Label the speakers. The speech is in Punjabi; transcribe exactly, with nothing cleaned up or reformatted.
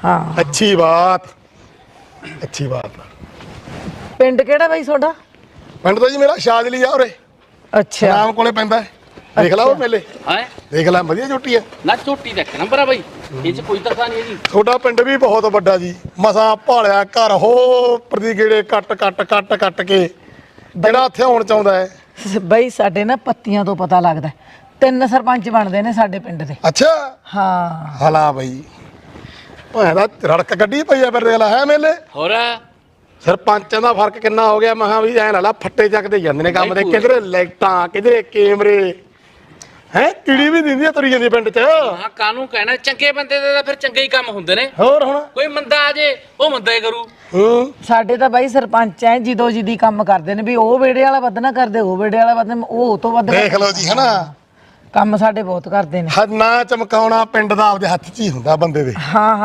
Speaker 1: हाँ
Speaker 2: अच्छी बात अच्छी बात।
Speaker 1: पिंड केड़ा बाई सोडा?
Speaker 2: पिंड तो जी मेरा शादली आ उरे
Speaker 1: अच्छा
Speaker 2: नाम कोले पैंदा है। देख ला वो मेले
Speaker 3: है
Speaker 2: देख ला वधिया झोटी है
Speaker 3: ना झोटी ਦਾ ਇੱਕ ਨੰਬਰ ਆ ਬਾਈ ਇਹ ਚ ਕੋਈ ਤਰ੍ਹਾਂ ਨਹੀਂ ਹੈਗੀ।
Speaker 2: ਤੁਹਾਡਾ ਪਿੰਡ ਵੀ ਬਹੁਤ ਵੱਡਾ ਜੀ ਮਸਾਂ ਭਾਲਿਆ ਘਰ ਹੋ ਪ੍ਰਦੀ ਗੇੜੇ ਕੱਟ ਕੱਟ ਕੱਟ ਕੱਟ ਕੇ ਜਿਹੜਾ ਇੱਥੇ ਆਉਣ ਚਾਹੁੰਦਾ ਹੈ।
Speaker 1: ਬਈ ਸਾਡੇ ਨਾ ਪੱਤੀਆਂ ਤੋਂ ਪਤਾ ਲੱਗਦਾ ਤਿੰਨ ਸਰਪੰਚ ਬਣਦੇ ਨੇ ਸਾਡੇ ਪਿੰਡ ਦੇ।
Speaker 2: ਅੱਛਾ
Speaker 1: ਹਾਂ
Speaker 2: ਹਲਾ ਬਈ ਭਾਂ ਦਾ ਰੜਕ ਕੱਢੀ ਪਈ ਆ ਫਿਰ ਦੇਖ ਲਾ ਹੈ ਮੇਲੇ
Speaker 3: ਹੋਰ
Speaker 2: ਸਰਪੰਚਾਂ ਦਾ ਫਰਕ ਕਿੰਨਾ ਹੋ ਗਿਆ ਮਹਾ ਵੀ ਐ ਲਾ ਲਾ ਫੱਟੇ ਚੱਕਦੇ ਜਾਂਦੇ ਨੇ ਕੰਮ ਦੇ ਕਿਧਰੇ ਲਾਈਟਾਂ ਕਿਧਰੇ ਕੈਮਰੇ ਹੈ ਕੀੜੀ ਵੀ ਦਿੰਦੀ ਆ ਤੁਰੀ ਜਾਂਦੀ ਪਿੰਡ 'ਚ।
Speaker 3: ਹਾਂ ਕਾਨੂੰ ਕਹਿਣਾ ਚੰਗੇ ਬੰਦੇ ਦੇ ਤਾਂ ਫਿਰ ਚੰਗੇ ਹੀ ਕੰਮ ਹੁੰਦੇ ਨੇ।
Speaker 2: ਹੋਰ ਹੁਣ
Speaker 3: ਕੋਈ ਮੰਦਾ ਆ ਜੇ ਉਹ ਮੰਦਾ ਹੀ ਕਰੂ।
Speaker 2: ਹੂੰ
Speaker 1: ਸਾਡੇ ਤਾਂ ਬਾਈ ਸਰਪੰਚ ਐ ਜਿੱਦੋ ਜਿੱਦੀ ਕੰਮ ਕਰਦੇ ਨੇ ਵੀ ਉਹ ਵੇੜੇ ਵਾਲਾ ਵੱਧ ਨਾ ਕਰਦੇ ਉਹ ਵੇੜੇ ਵਾਲਾ ਵੱਧ ਉਹ ਉਹ ਤੋਂ ਵੱਧ
Speaker 2: ਦੇਖ ਲਓ ਜੀ ਹਨਾ
Speaker 1: ਕੰਮ ਸਾਡੇ ਬਹੁਤ ਕਰਦੇ ਨੇ।
Speaker 2: ਨਾ ਚਮਕਾਉਣਾ ਪਿੰਡ ਦਾ ਆਪਦੇ ਹੱਥ 'ਚ ਹੀ ਹੁੰਦਾ ਬੰਦੇ ਦੇ।
Speaker 1: ਹਾਂ